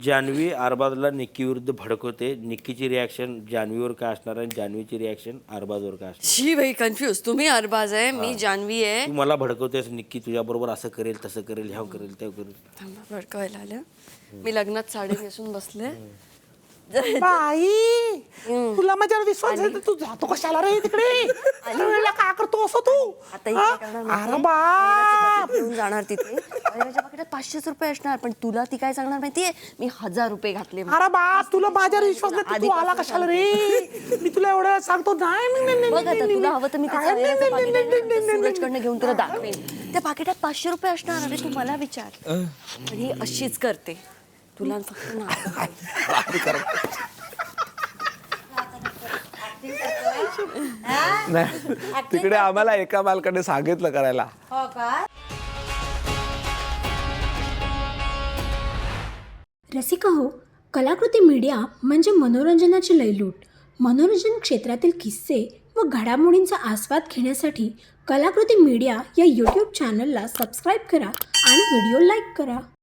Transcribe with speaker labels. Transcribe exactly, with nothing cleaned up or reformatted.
Speaker 1: जान्हवी अरबाजला निक्की विरुद्ध भडकवते. निक्कीची रिॲक्शन जान्हवीवर काय असणार आणि जान्हवीची रिॲक्शन अरबाजवर काय असणार?
Speaker 2: शी भाई कन्फ्यूज. तुम्ही अरबाज आहे, मी जान्हवी आहे.
Speaker 1: तू मला भडकवतेस निक्की तुझ्याबरोबर असं करेल तसं करेल ह्या करेल त्या करेल.
Speaker 2: थांबा भडकवायला आलं. मी लग्नात साडी नेसून बसले.
Speaker 3: बाई तुला माझ्यावर विश्वास आहे तू जातो कशाला रे तिकडे? वेळेला काय करतो असं तू?
Speaker 2: आता इथे काय करणार माहितीये?
Speaker 3: अरे बाप
Speaker 2: घेऊन जाणार तिथे. माझ्या पाकिटात पाचशेच रुपये असणार, पण तुला ती काय सांगणार माहितीये? मी हजार रुपये घातले.
Speaker 3: अरे बाप तुला माझ्यावर विश्वास नाही तू आला कशाला रे? मी तुला एवढं सांगतो नाही नाही, नाही,
Speaker 2: बघ
Speaker 3: नाही,
Speaker 2: आता तुला हवं तर मी
Speaker 3: नाही,
Speaker 2: त्याचं
Speaker 3: नाही,
Speaker 2: वेळेचं
Speaker 3: नाही,
Speaker 2: पाकीट आहे
Speaker 3: नाही,
Speaker 2: ना,
Speaker 3: नाही, नाही,
Speaker 2: सूरजकडनं घेऊन तुला दाखवेन. त्या पाकिटात पाचशे रुपये असणार. अरे तू मला विचार. आणि ही अशीच करते तुला फक्त ना.
Speaker 4: नाही तिकडे आम्हाला एका मालकाने सांगितलं करायला.
Speaker 5: रसिका हो, कलाकृती मीडिया म्हणजे मनोरंजनाची लयलूट. मनोरंजन क्षेत्रातील किस्से व घडामोडींचा आस्वाद घेण्यासाठी कलाकृती मीडिया या यूट्यूब चॅनलला सबस्क्राईब करा आणि व्हिडिओ लाईक करा.